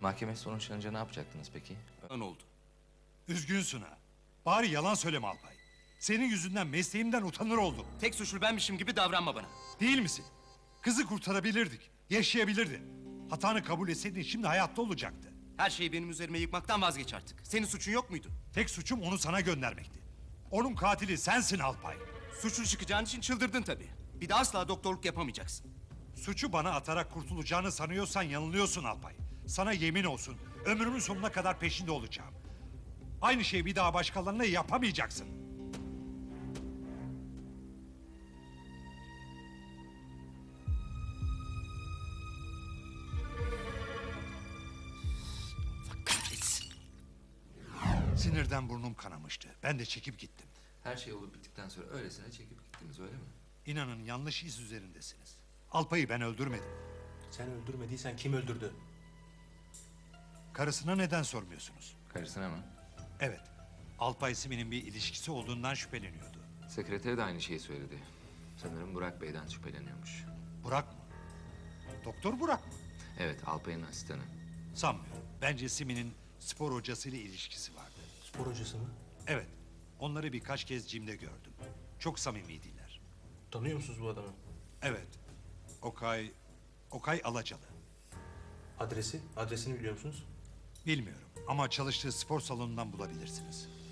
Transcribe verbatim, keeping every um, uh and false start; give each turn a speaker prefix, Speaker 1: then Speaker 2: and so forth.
Speaker 1: Mahkeme sonuçlanınca ne yapacaktınız peki?
Speaker 2: Ne oldu?
Speaker 3: Üzgünsün ha. Bari yalan söyleme Alpay. Senin yüzünden mesleğimden utanır oldum.
Speaker 2: Tek suçlu benmişim gibi davranma bana.
Speaker 3: Değil misin? Kızı kurtarabilirdik. Yaşayabilirdi. Hatanı kabul etseydin şimdi hayatta olacaktı.
Speaker 2: Her şeyi benim üzerime yıkmaktan vazgeç artık. Senin suçun yok muydu?
Speaker 3: Tek suçum onu sana göndermekti. Onun katili sensin Alpay.
Speaker 2: Suçlu çıkacağın için çıldırdın tabii. Bir de asla doktorluk yapamayacaksın.
Speaker 3: Suçu bana atarak kurtulacağını sanıyorsan yanılıyorsun Alpay. Sana yemin olsun ömrümün sonuna kadar peşinde olacağım. Aynı şeyi bir daha başkalarına yapamayacaksın.
Speaker 2: Kahretsin.
Speaker 3: Sinirden burnum kanamıştı. Ben de çekip gittim.
Speaker 1: Her şey olup bittikten sonra öylesine çekip gittiniz öyle mi?
Speaker 3: İnanın yanlış iz üzerindesiniz. Alpay'ı ben öldürmedim.
Speaker 4: Sen öldürmediysen kim öldürdü?
Speaker 3: Karısına neden sormuyorsunuz?
Speaker 1: Karısına mı?
Speaker 3: Evet. Alpay Simi'nin bir ilişkisi olduğundan şüpheleniyordu.
Speaker 1: Sekreteri de aynı şeyi söyledi. Sanırım Burak Bey'den şüpheleniyormuş.
Speaker 3: Burak mı? Doktor Burak mı?
Speaker 1: Evet, Alpay'ın asistanı.
Speaker 3: Sanmıyorum. Bence Simi'nin spor hocasıyla ilişkisi vardı.
Speaker 4: Spor hocası mı?
Speaker 3: Evet. Onları birkaç kez cimde gördüm. Çok samimiydiler.
Speaker 4: Tanıyor musunuz bu adamı?
Speaker 3: Evet. Okay... Okay Alacalı.
Speaker 4: Adresi? Adresini biliyor musunuz?
Speaker 3: Bilmiyorum ama çalıştığı spor salonundan bulabilirsiniz.